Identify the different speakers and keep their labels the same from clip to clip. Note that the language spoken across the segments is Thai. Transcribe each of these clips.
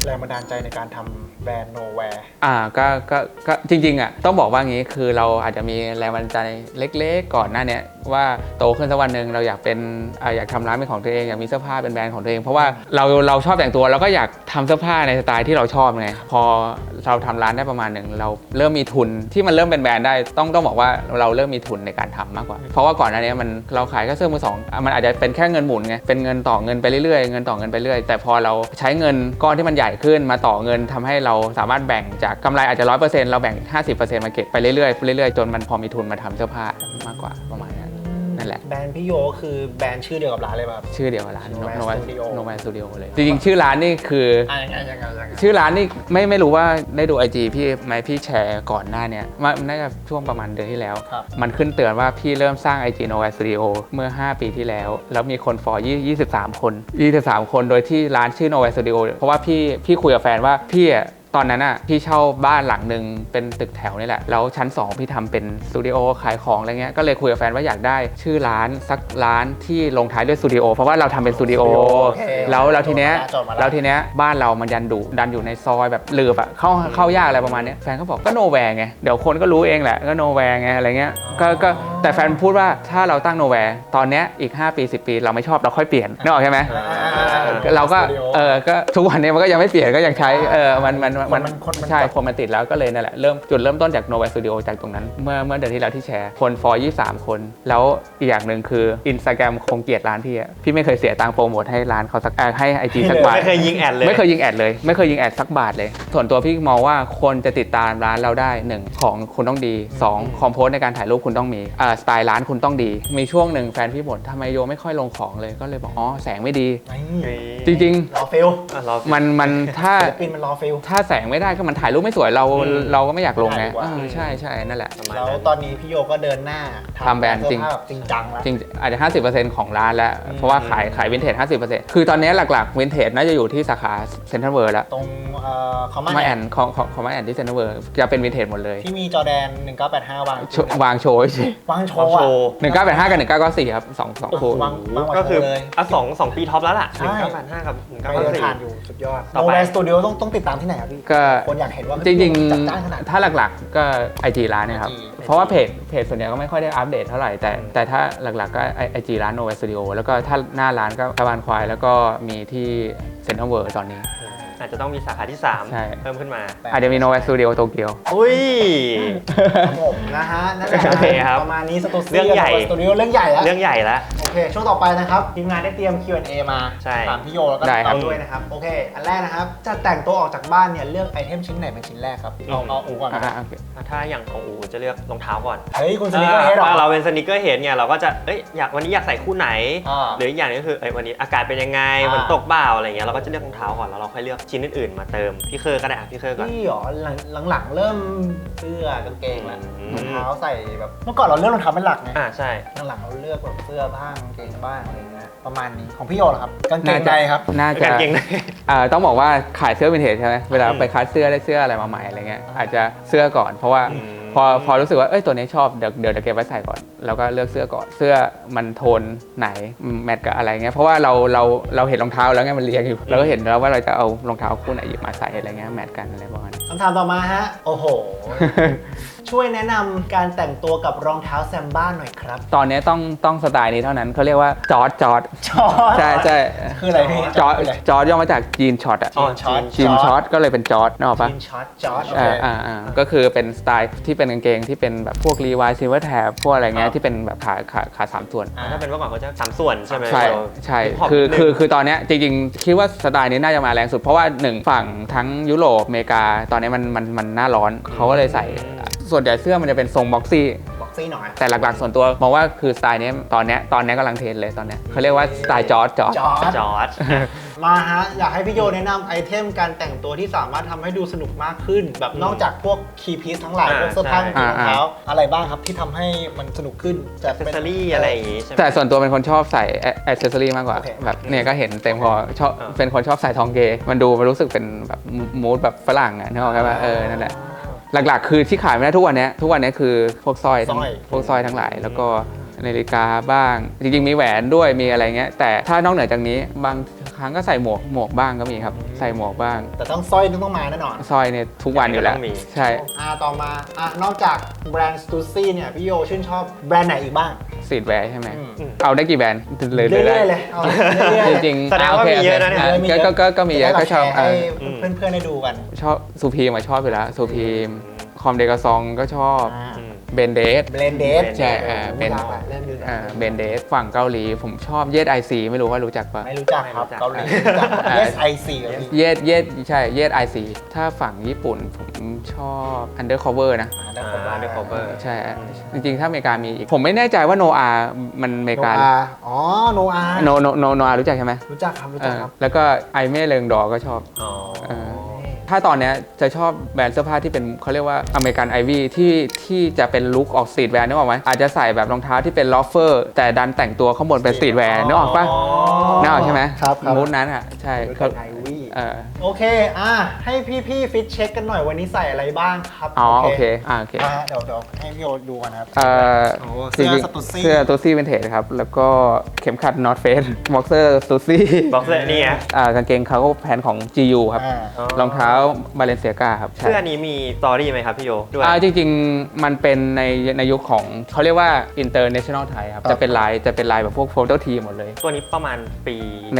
Speaker 1: แรงบันดาลใจในการทำแบรนด์ Nowhere
Speaker 2: ก็จริงๆต้องบอกว่างี้คือเราอาจจะมีแรงบันดาลใจเล็กๆก่อนหน้านี้ว่าโตขึ้นสักวันหนึ่งเราอยากเป็นอยากทำร้านเป็นของตัวเองอยากมีเสื้อผ้าเป็นแบรนด์ของตัวเองเพราะว่าเราชอบแต่งตัวเราก็อยากทำเสื้อผ้าในสไตล์ที่เราชอบไงพอเราทำร้านได้ประมาณหนึ่งเราเริ่มมีทุนที่มันเริ่มเป็นแบรนด์ได้ต้องบอกว่าเราเริ่มมีทุนในการทำมากกว่าเพราะว่าก่อนหน้านี้เราขายแค่เสื้อมือสองมันอาจจะเป็นแค่เงินหมุนไงเป็นเงินต่อเงินไปเรื่อยๆเงินต่อเงินไปเรื่อยแต่พอเราใช้เงินก้อนที่มันใหญ่ขึ้นมาต่อเงินทำให้เราสามารถแบ่งจากกำไรอาจจะ 100% เราแบ่ง 50% มาเก็บไปเรื่อยๆจนมันพอมีทุนมาทำเสื้อผ้ามากกว่าประมาณนั้นนั่นแหละ
Speaker 1: แบรนด์พี่โยคือแบรนด์ชื่อเดียวกับร้านเลยป่ะ
Speaker 2: ชื่อเดียวกับร้าน Nowhere Studio เลยจ
Speaker 1: ริ
Speaker 2: งๆชื่อร้านนี่คือชื่อร้านนี่ไม่รู้ว่าได้ดู IG พี่ไหมพี่แชร์ก่อนหน้านี้น่าจะช่วงประมาณเดือนที่แล้วมันขึ้นเตือนว่าพี่เริ่มสร้าง IG Nowhere Studio เมื่อ5ปีที่แล้วมีคนฟอล23 คนโดยที่ร้านชื่อ Nowhere Studio เพราะว่าพี่คุยกับแฟนว่าพี่ตอนนั้นพี่เช่าบ้านหลังหนึ่งเป็นตึกแถวนี่แหละแล้วชั้น2พี่ทำเป็นสตูดิโอขายของอะไรเงี้ยก็เลยคุยกับแฟนว่าอยากได้ชื่อร้านสักร้านที่ลงท้ายด้วยสตูดิโอเพราะว่าเราทำเป็นสตูดิโอแล้วทีเนี้ยบ้านเรามันดันอยู่ในซอยแบบหลืบเข้ายากอะไรประมาณนี้แฟนก็บอกก็ Nowhere ไงเดี๋ยวคนก็รู้เองแหละก็ Nowhere ไงอะไรเงี้ยก็แต่แฟนพูดว่าถ้าเราตั้ง Nowhere ตอนเนี้ยอีก5 ปี 10 ปีเราไม่ชอบเราค่อยเปลี่ยนนึกออกใช่ไหมเราก็ก็ทุกวันนี้มันก็ยังไม่เปลี่ยนก็ยังใช้มันใช่คนมันติดแล้วก็เลยนั่นแหละจุดเริ่มต้นจาก Nowhere Studio จากตรงนั้นเมื่อเดือนที่แล้วที่แชร์คนฟอล23 คนแล้วอีกอย่างหนึ่งคือ Instagram คงเกลียดร้านพี่ไม่เคยเสียตังค์โปรโมทให้ร้านเขาสักให้ IG สักบาท
Speaker 3: ไม่เคยยิงแอดเลย
Speaker 2: ไม่เคยยิงแอดสักบาทเลยส่วนตัวพี่มองว่าคนจะติดตามร้านเราได้1ของคุณต้องดี2คอมโพสในการถ่ายรูปคุณต้องมีสไตล์ร้านคุณต้องดีมีช่วงหนึ่งแฟนพี่บ่นทำไมโยไม่ค่อยลงของเลยก็เลยบอกแสงไม่ดีจริง
Speaker 1: รอฟิล
Speaker 2: มันถ้า
Speaker 1: เป็นมันรอฟิล
Speaker 2: ถ้าแสงไม่ได้ก็มันถ่ายรูปไม่สวยเราก็ไม่อยากลงไงใช่นั่นแหละ
Speaker 1: แล้วตอนนี้พี่โยก็เดินหน้า
Speaker 2: ทำแบรนด์จริง
Speaker 1: จังแล้ว
Speaker 2: จริงอาจจะ 50% ของร้านแล้วเพราะว่าขายวินเทจ 50% คือตอนนี้หลักๆวินเทจน่าจะอยู่ที่สาขาเซ็นทรัลเวิลด์แล้ว
Speaker 1: ตรงคอม
Speaker 2: มาแอนที่เซ็นทรัลเวิลด์จะเป็นวินเทจหมดเลย
Speaker 1: ที่มีจอแดน1985
Speaker 2: วางโชว์1985กับ1994ครับ2คู่
Speaker 3: ก็คือ2 ปีท็อปแล้วล่ะ1985กับ1994
Speaker 1: ผ่านอยู่สุดยอด Nowhere Studio ต้องติดตามที่ไหนครับพี่คนอยากเห็นว่า
Speaker 2: จริงๆถ้าหลักๆก็ IG ร้านนะครับเพราะว่าเพจส่วนใหญ่ก็ไม่ค่อยได้อัปเดตเท่าไหร่แต่ถ้าหลักๆก็ IG ร้าน Nowhere Studio แล้วก็ถ้าหน้าร้านก็ตะวันควายแล้วก็มีที่เซ็นทรัลเวิลด์ตอนนี้
Speaker 3: อาจจะต้องมีสาขาที่3เพิ่มขึ้นมา
Speaker 2: อาจจะมี Nowhere Studio โตเกียว
Speaker 3: อุ้ย
Speaker 1: ผมนะฮะนั่นแหละประมาณนี้
Speaker 3: เรื่องใหญ่
Speaker 1: เรื่องใหญ่
Speaker 3: แล้ว
Speaker 1: โอเคช่วงต่อไปนะครับทีมงานได้เตรียม Q&A มาถามพี่โยแล้วก็ตอบด้วยนะครับโอเคอันแรกนะครับจะแต่งตัวออกจากบ้านเนี่ยเลือกไอเทมชิ้นไหนเป็นชิ้นแรกครับเอาอูก่อน
Speaker 3: ถ้าอย่างของอูจะเลือกรองเท้าก่อน
Speaker 1: เฮ้ยคุณสนิเกอร์เฮดหรอ
Speaker 3: เราเป็นสนิเกอร์เฮดไงเราก็จะวันนี้อยากใส่คู่ไหนหรืออีกอย่างนึงก็คือวันนี้อากาศเป็นยังไงฝนตกเปล่าอะไรเงี้ยเราก็จะเลือกรองเท้าก่อนแล้วเราค่อยเลือกชิ้นอื่นมาเติมพี่เคอร์ก็ได้พี่เคอร์ก่อน
Speaker 1: พี่หรอหลังๆเริ่มเสื้อกางเกงแล้วรองเท้าใส่แบบเมื่อก่อนเราเลือกรองเท้าเป็นหลักไง
Speaker 3: ใช่
Speaker 1: หลังๆเราเลือกแบบเสื้อบ้างกางเกงบ้างอะไรเงี้ยประมาณนี้ของพี่โยเหรอครับกางเกงในครับ
Speaker 2: น่าจะ
Speaker 3: กางเกงใน
Speaker 2: ต้องบอกว่าขายเสื้อวินเทจใช่ไหมเวลาไปคัดเสื้อได้เสื้ออะไรมาใหม่อะไรเงี้ยอาจจะเสื้อก่อนเพราะว่าพอรู้สึกว่าตัวนี้ชอบเดี๋ยวเก็บไว้ใส่ก่อนแล้วก็เลือกเสื้อก่อนเสื้อมันโทนไหนแมทกับอะไรเงี้ยเพราะว่าเราเห็นรองเท้าแล้วไงมันเรียงอยู่เราก็เห็นแล้วว่าเราจะเอารองเท้าคู่ไหนหยิบมาใส่อะไรเงี้ยแมทกันอะไรประมาณนี้
Speaker 1: คำถามต่อมาฮะโอ้โหช่วยแนะนำการแต่งตัวกับรองเท้าแซมบ้าหน่อยครับ
Speaker 2: ตอนนี้ต้องสไตล์นี้เท่านั้นเขาเรียกว่าจอร์ดใช่
Speaker 1: คืออะไรพี่
Speaker 2: จอร์ดย่อมาจากจีนช็อตจีนช็อตก็เลยเป็นจอร์ดนึกออกปะ
Speaker 1: จีนช็อต
Speaker 2: ก็คือเป็นสไตล์ที่เป็นกางเกงที่เป็นแบบพวกรีวายซิลเวอร์แท็บพวกอะไรเงี้ยที่เป็นแบบขา3 ส่วน
Speaker 3: ถ้าเป็นเมื่อก่อนเขาจะ3 ส่วนใช่ไหม
Speaker 2: ใช่คือตอนนี้จริงๆคิดว่าสไตล์นี้น่าจะมาแรงสุดเพราะว่า1ฝั่งทั้งยุโรปอเมริกาตอนนี้มันหน้าร้อนเขาก็เลยใส่ส่วนใหญ่เสื้อมันจะเป็นทรงบ็อกซี่
Speaker 1: หน่อย
Speaker 2: แต่หลักๆส่วนตัวมองว่าคือสไตล์นี้ตอนนี้กำลังเทรนเลยตอนนี้เขาเรียกว่าสไตล์จอร์ด
Speaker 1: มาฮะอยากให้พี่โยแนะนำไอเทมการแต่งตัวที่สามารถทำให้ดูสนุกมากขึ้นแบบนอกจากพวกคีย์พีซทั้งหลายพวกเสื้อผ้ารองเท้าอะไรบ้างครับที่ทำให้มันสนุกขึ้น
Speaker 3: จะเป็นแอคเซสซอรี่อะไรอย่างงี้ใช่ไหม
Speaker 2: แต่ส่วนตัวเป็นคนชอบใส่แอคเซสซอรี่มากกว่าแบบเนี่ยก็เห็นเต็มพอชอบเป็นคนชอบใส่ทองเกมันดูมันรู้สึกเป็นแบบมูดแบบฝรั่งอ่ะนึกออกไหมนั่นแหละหลักๆคือที่ขายไม่ได้ทุกวันนี้คือพวกสร้อยทั้งหลายแล้วก็นาฬิกาบ้างจริงๆมีแหวนด้วยมีอะไรเงี้ยแต่ถ้านอกเหนือจากนี้บางครั้งก็ใส่หมวกบ้างก็มีครับใส่หมวกบ้าง
Speaker 1: แต่ต้องสร้อยต้องมาแน่นอน
Speaker 2: สร้อยเนี่ยทุกวันอยู่แล้วใช่
Speaker 1: ต่อมานอกจากแบรนด์ Stussy เนี่ยพี่โยชื่นชอบแบรนด์ไหนอีกบ้าง
Speaker 2: สตรีทแวร์ใช่ไหมเอาได้กี่แบรนด์
Speaker 1: เรื่อยๆเลยเอาเรื่อยๆ
Speaker 2: จริง
Speaker 3: แสดงว่ามีเยอะนะเนี่ย
Speaker 2: ก็มีเยอะก็ชอบ
Speaker 1: ให้เพื่อนๆได้ดูกัน
Speaker 2: ชอบซูพีมาชอบอยู่แล้วซูพีมคอมเดกาซองก็ชอบเบนเดสใช่เบนเดสฝั่งเกาหลีผมชอบเยดไอซีไม่รู้ว่ารู้จักปะ
Speaker 1: ไม่รู้จักครับเกาหลีเยดไอซี
Speaker 2: ใช่เยดไอซีถ้าฝั่งญี่ปุ่นผมชอบ Undercover นะ
Speaker 3: Undercover
Speaker 2: ใช่จริงๆถ้าอเมริกามีอีกผมไม่แน่ใจว่าโนอามันอเมริกา
Speaker 1: อ๋อโนอา
Speaker 2: รู้จักใช่ไหม
Speaker 1: รู้จักครับ
Speaker 2: แล้วก็ไอเม่เริงดอก็ชอบถ้าตอนนี้จะชอบแบรนด์เสื้อผ้าที่เป็นเขาเรียกว่าอเมริกันไอวี่ที่จะเป็นลุคออกสตรีทแวร์นึกออกไหมอาจจะใส่แบบรองเท้าที่เป็นลอฟเฟอร์แต่ดันแต่งตัวข้างบนเป็นสตรีทแวร์นึกออกปะนึกออกใช่ไหม
Speaker 1: ครับ
Speaker 2: มูดนั้นอ่ะใช่
Speaker 1: ครับไอวี่โอเคให้พี่ฟิตเช็คกันหน่อยวันนี้ใส่อะไรบ้างครับ
Speaker 2: โอเค
Speaker 1: เดี๋ยวให้พี่โยดูกันครับ
Speaker 2: เสื้อสตูซี่เป็นเทจครับแล้วก็เข็มขัด North Face บ็อกเซอร์สตูซี่
Speaker 3: บ็อกเซอร์นี่ไง
Speaker 2: กางเกงคาร์โก้แพนของ GU ครับรองเท้าบาเลนเซียกาครับ
Speaker 3: เสื้อนี้มีสตอรี่ไหมครับพี่โยด้วย
Speaker 2: จริงๆมันเป็นในยุคของเขาเรียกว่า international ไทยครับจะเป็นลายแบบพวกโฟโต้ทีหมดเลย
Speaker 3: ตัวนี้ประมาณปี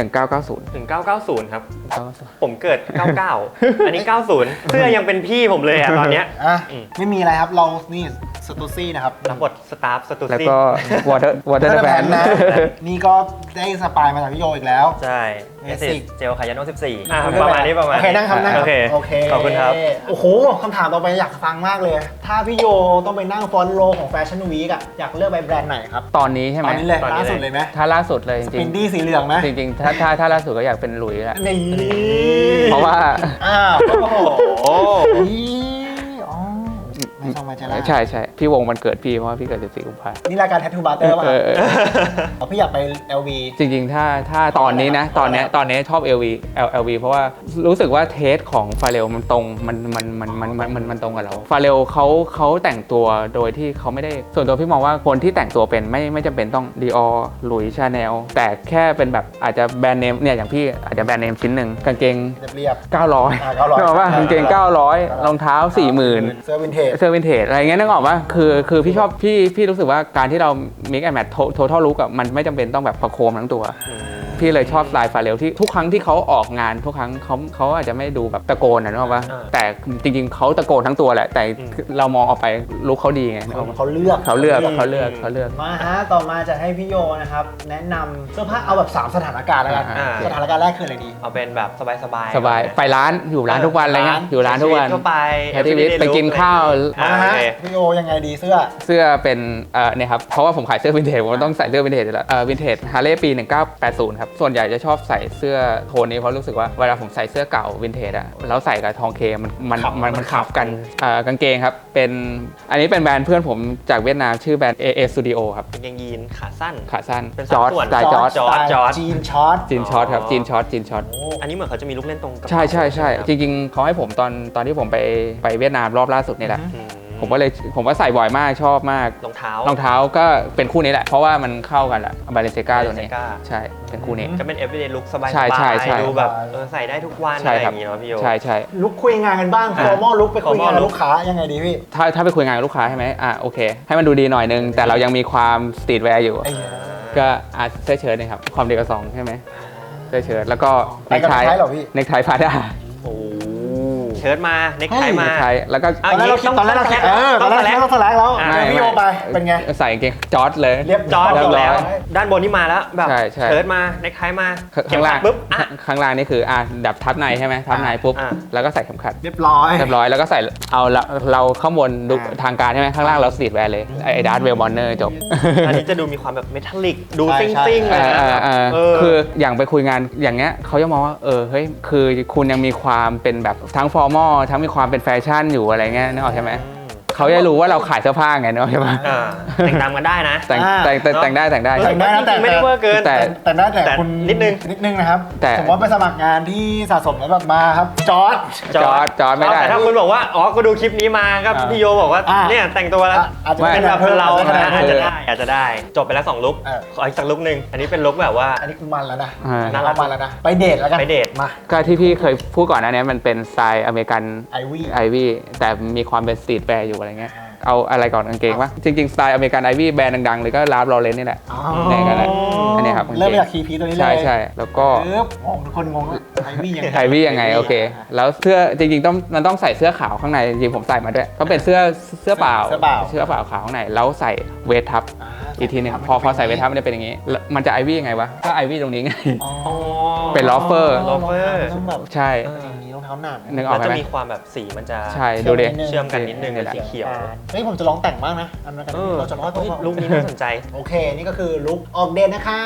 Speaker 2: 1990
Speaker 3: ครับผมเกิด99อันนี้90เสื้อยังเป็นพี่ผมเลยตอนเนี้ย
Speaker 1: ไม่มีอะไรครับเรานี่สตูซี่นะครับ
Speaker 3: รับบทสตาฟสตูซี่
Speaker 2: แล้วก็วอเตอร์แบน
Speaker 1: นะนี่ก็ได้สปายมาจากพี่โยอีกแล้ว
Speaker 3: ใช่เจลคายาโน่14ประมาณนี้โอ
Speaker 1: เคนั่งโอเค
Speaker 3: ขอบคุณครับ
Speaker 1: โอ้โหคำถามต่อไปอยากฟังมากเลยถ้าพี่โยต้องไปนั่งฟอนโลของแฟชั่นวีคอะอยากเลือกไปแบรนด์ไหนครับ
Speaker 2: ตอนนี้ใช่ไหม
Speaker 1: ตอนนี้เลยล่าสุดเลยไหม
Speaker 2: ถ้าล่าสุดเลยจริง
Speaker 1: ๆปินดี้สีเหลืองไหม
Speaker 2: จริงๆถ้าล่าสุดก็อยากเป็นหลุยส์แหละ
Speaker 1: นี่
Speaker 2: เพราะว่า
Speaker 1: โอ้ไม่ต้องมาจะล่า
Speaker 2: ใช่พี่วงมันเกิดพี่เพราะว่าพี่เกิด14 กุมภาพันธ์
Speaker 1: นี่รายการแททูบาร์เตอร์ป่ะพี่อยากไป LV
Speaker 2: จริงๆถ้าตอนนี้นะตอนนี้ชอบ LV เพราะว่ารู้สึกว่าเทสของฟาเรลมันตรงมันตรงกับเราฟาเรลเขาแต่งตัวโดยที่เขาไม่ได้ส่วนตัวพี่มองว่าคนที่แต่งตัวเป็นไม่จำเป็นต้อง Dior หลุยส์ชาแนลแต่แค่เป็นแบบอาจจะแบรนด์เนมเนี่ยอย่างพี่อาจจะแบรนด์เนมชิ้นหนึ่งกางเกง
Speaker 1: เรียบ
Speaker 2: 900นึกออกป่ะกางเกง900รองเท้า 40,000
Speaker 1: เสื้อวินเทจ
Speaker 2: อะไรเงี้ยนึกออกป่ะคือพี่ชอบพี่รู้สึกว่าการที่เรา mix and match total look อะมันไม่จำเป็นต้องแบบประโคมทั้งตัวพี่เลยชอบสไตล์ฟาเรลที่ทุกครั้งที่เขาออกงานทุกครั้งเขาอาจจะไม่ดูแบบตะโกนนะนึกออกป่ะแต่จริงๆเขาตะโกนทั้งตัวแหละแต่เรามองออกไปลุคเขาดีไง
Speaker 1: เขาเลือกมาฮะต่อมาจะให้พี่โยนะครับแนะนำเสื้อผ้าเอาแบบ3สถานการณ์แล้วกันสถานการณ์แรกคืออะไรดี
Speaker 3: เอาเป็นแบบสบาย
Speaker 2: ไปร้านอยู่ร้านทุกวันอะไรเงี้ยอยู่ร้านทุกวัน
Speaker 3: ทั่วไป
Speaker 2: ไปกินข้าว
Speaker 1: พี่โยยังไงดีเ
Speaker 2: สื้อเป็นเนี่ยครับเพราะว่าผมขายเสื้อวินเทจผมต้องใส่เสื้อวินเทจอยู่แล้ววินเทจฮาร์เลย์ปี1980ครับส่วนใหญ่จะชอบใส่เสื้อโทนนี้เพราะรู้สึกว่าเวลาผมใส่เสื้อเก่าวินเทจอะแล้วใส่กับทองเคมันขับกันกางเกงครับเป็นอันนี้เป็นแบรนด์เพื่อนผมจากเวียดนามชื่อแบรนด์ AA Studio ครับ
Speaker 3: กางเกงยีนขาสั้น
Speaker 2: จอร์จสไตล์จอร์จ
Speaker 1: จีนช็อต
Speaker 2: ครับจีนช็อต
Speaker 3: อันนี้เหมือนเขาจะมีลูกเล่นตรง
Speaker 2: ใช่จริงๆเขาให้ผมตอนที่ผมไปเวียดนามรอบล่าสุดนี่แหละผมก็ใส่บ่อยมากชอบมาก
Speaker 3: รองเท้
Speaker 2: าก็เป็นคู่นี้แหละเพราะว่ามันเข้ากันแหละบาเลนเซียกาตัวนี้ใช่เป็นคู่นี้
Speaker 3: ก็เป็น everyday look สบาย
Speaker 2: ๆ
Speaker 3: ดูแบบใส่ได้ทุกวันอะไรอย่างเงี้ยพี่โย
Speaker 2: ใช่
Speaker 1: ลุคคุยงานกันบ้าง formal look ไปคุยงานลูกค้ายังไงดีพี่
Speaker 2: ถ้าไปคุยงานกับลูกค้าใช่ไหมโอเคให้มันดูดีหน่อยนึงแต่เรายังมีความสตรีทแวร์อยู่ก็เสื้อเชิ้ตนะครับความเดียวกับ2ใช่ไหมเสื้อเชิ้ตแล้วก็เนคไทพาด้า
Speaker 3: เชิ้ตมาเน็กไทมา
Speaker 2: แล้วก็
Speaker 1: ตอนแรกเราแสลกแล้วพี่โยไปเป็นไง
Speaker 2: ใส่กางเกงจอร์จเลย
Speaker 3: เรียบจอร์จแล้วด้านบนนี่มาแล้วแบบเชิ้ตมาเน็กไทมา
Speaker 2: ข้างล่างปุ๊บข้างล่างนี่คือดับทับในใช่ไหมทับในปุ๊บแล้วก็ใส่เข็มขัด
Speaker 1: เรียบร้อย
Speaker 2: แล้วก็ใส่เอาเราข้างบนดูทางการใช่ไหมข้างล่างเราสตรีทแวร์เลยไอ้ดาร์ธเวลบอนเนอร์จบ
Speaker 3: อันนี้จะดูมีความแบบเมทัลลิกดูซิ่งๆเลย
Speaker 2: คืออย่างไปคุยงานอย่างเงี้ยเขาจะมองว่าเฮ้ยคือคุณยังมีความเป็นแบบทั้งฟอร์มอลทั้งมีความเป็นแฟชั่นอยู่อะไรเงี้ยนึกออกใช่ไหมเขาจะรู้ว่าเราขายเสื้อผ้าไงเนาะใช่ปะ
Speaker 3: แต่งตามกันได้นะ
Speaker 2: แต่งได้
Speaker 1: แต่งได้
Speaker 3: จริงๆไม่ได้เวอร์เกิน
Speaker 1: แต่ได้แต่คุณ
Speaker 3: นิดนึง
Speaker 1: นะครับ
Speaker 2: แต่
Speaker 1: สมมติว่าไปสมัครงานที่สะสมแล้วแบบมาครับจอร์ด
Speaker 2: จอร์จไม่ได้
Speaker 3: แต่ถ้าคุณบอกว่าอ๋อกูดูคลิปนี้มาก็พี่โยบอกว่าเนี่ยแต่งตัวแล้ว
Speaker 1: อาจจะ
Speaker 3: เป็นแบบเรา
Speaker 1: อาจจะได้
Speaker 3: อาจจะได้จบไปแล้ว2ลุคขออีกสักลุคนึงอันนี้เป็นลุคแบบว่า
Speaker 1: อันนี้คุณมันแล้วนะ
Speaker 3: น่ารัก
Speaker 1: มันแล้วนะไปเดทแล้วกัน
Speaker 3: ไปเดท
Speaker 1: มา
Speaker 2: ก็ที่พี่เคยพูดก่อนหน้านี้มันเป็นสไตล์อเมริกัน
Speaker 1: ไอวี่
Speaker 2: ไอวี่แต่มีความเป็นสตรีทแวร์อยู่อะไรเงี้ยเอาอะไรก่อนกางเกงปะจริงๆสไตล์อเมริกันไอวี่แบรนด์ดังๆเลยก็ลาฟลอเรนนี่แหละ เนี่ยกันแหละอันนี้ครับกางกง
Speaker 1: เริ่มจากคีพีตัวนี้เลย
Speaker 2: ใช่แล้วก็
Speaker 1: งงทุกคนงงว่าไอวี่ยังไง
Speaker 2: ไอวี่ยังไงโอเค แล้วเสื้อจริงๆมันต้องใส่เสื้อขาวข้างในจริงๆผมใส่มาด้วยก็เป็นเสื้อเปล่าขาวข้างในแล้วใส่เวททับอีกทีหนึงพอใส่เวททับมันจะเป็นอย่างนี้แล้วมันจะไอวี่ยังไงวะก็ไอวี่ตรงนี้ไง เป็นลอฟเฟอร์
Speaker 1: ต้องแบบ
Speaker 2: ใช่
Speaker 1: อย่างนี้รองเท้าหนัก
Speaker 2: นึกออก
Speaker 3: แล้ว
Speaker 2: ไหม
Speaker 3: จะมีความแบบสีมันจะ
Speaker 2: ใช่ดูดิ
Speaker 3: เชื่อมกันนิดนึงเป็นสีเขียว
Speaker 1: เฮ้ยผมจะลองแต่งบ้างนะอันนั้นกันเราจะร้อยตัว
Speaker 3: ลุคนี้น่าสนใจ
Speaker 1: โอเค นี่ก็คือลุคออกเดทนะครับ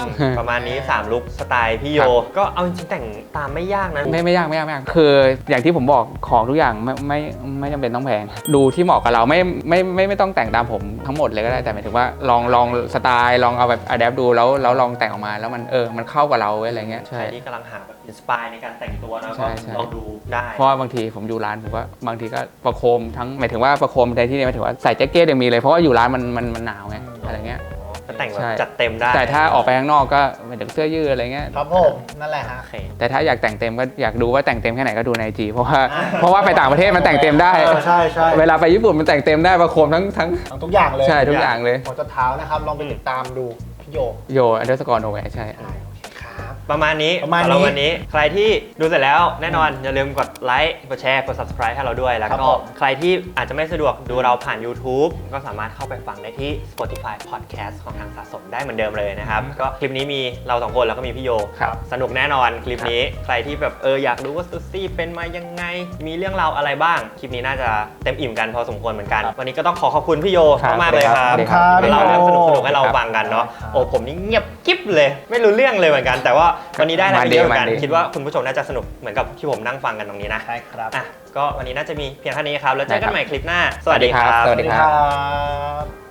Speaker 3: ประมาณนี้3ลุคสไตล์พี่โย ก็เอาจริงๆแต่งตามไม่ยากนะ
Speaker 2: ไม่ยากคืออย่างที่ผมบอกของทุกอย่างไม่จำเป็นต้องแพงดูที่เหมาะกับเราไม่ต้องแต่งตามผมทั้งหมดเลยก็ได้แต่หมายถึงว่าลองสไตล์ลองเอาแบบอะแดปดูแล้วลองแต่งออกมาแล้วมันเข้ากับเราอะไรเงี้ย
Speaker 3: ใคร
Speaker 2: ใช่
Speaker 3: ที่กำลังหาแบบอินสปายในการแต่งตัวนะ
Speaker 2: ใช่
Speaker 3: ก็
Speaker 2: ใช่
Speaker 3: ลองดูได้
Speaker 2: เพราะว่าบางทีผมอยู่ร้านผมก็บางทีก็ประโคมทั้งหมายถึงว่าประโคมในที่นี้หมายถึงว่าใส่แจ็คเก็ตยังมีเลยเพราะว่าอยู่ร้านมันหนาวไงอะไรเงี้ย
Speaker 3: ก็แต่งแบ
Speaker 2: ใช่
Speaker 3: บจัดเต็มได้
Speaker 2: แต่ถ้าออกไปข้างนอกก็หมายถึงเสื้อยืดอะไรเงี้ย
Speaker 1: ครับผมนั่นแหละฮะ
Speaker 3: โอเค
Speaker 2: แต่ถ้าอยากแต่งเต็มก็อยากดูว่าแต่งเต็มแค่ไหนก็ดูใน IG เพราะว่าไปต่างประเทศมันแต่งเต็มได้
Speaker 1: ใช่ใช่
Speaker 2: เวลาไปญี่ปุ่นมันแต่งเต็มได้ประโคมทั้ง
Speaker 1: ทุกอย่างเลย
Speaker 2: ใช่ทุกอย่างเลย
Speaker 1: หัวจนเท้านะครับลองไปติดตามดูพี่โย
Speaker 2: โยอันเดอร์สกอร์โนแวร์ใช่
Speaker 1: โอเคครับ
Speaker 3: ประมาณนี้
Speaker 1: ประมาณนี้
Speaker 3: สำหรับวันนี้ใครที่ดูเสร็จแล้วแน่นอนอย่าลืมกดไลค์กดแชร์กด subscribe ให้เราด้วย แล้ว
Speaker 1: ครับ
Speaker 3: ก็
Speaker 1: ผม
Speaker 3: ใครที่อาจจะไม่สะดวกดูเราผ่าน YouTube ก็สามารถเข้าไปฟังได้ที่ Spotify Podcast ของทางสะสมได้เหมือนเดิมเลยนะครับ ก็คลิปนี้มีเรา2คนแล้วก็มีพี่โย
Speaker 2: ครับ
Speaker 3: สนุกแน่นอนคลิปนี้ใครที่แบบอยากรู้ว่าซูซี่เป็นมายังไง มีเรื่องราวอะไรบ้าง คลิปนี้น่าจะเต็มอิ่มกันพอสมควรเหมือนกัน วันนี้ก็ต้องขอบคุณพี่โย
Speaker 2: ครับ
Speaker 3: มากๆเลยครับ
Speaker 1: ครับ
Speaker 3: ที่เราเรื่องสนุกๆให้เรา
Speaker 2: ครับ
Speaker 3: ฟังกันเนาะโอ้ผมนี่เงียบกิ๊บเลย ไม่รู้เรื่องเลยเหมือนกัน แต่ว่าวันนี้ได้อะไรไปเยอะเหมือนกัน
Speaker 2: มันดี
Speaker 3: คิดว่าคุณผู้ชมน่าจะสนุกเหมือนกับที่ผมนั่งฟังกันตรงนี้นะ
Speaker 1: ใช่ครับ
Speaker 3: อ่ะก็วันนี้น่าจะมีเพียงเท่านี้ครับแล้วเจอกัน
Speaker 2: ได้ครับ
Speaker 3: ใหม่คลิปหน้า สวัสดีครั
Speaker 2: สวัสดี
Speaker 1: สวัสดีครับ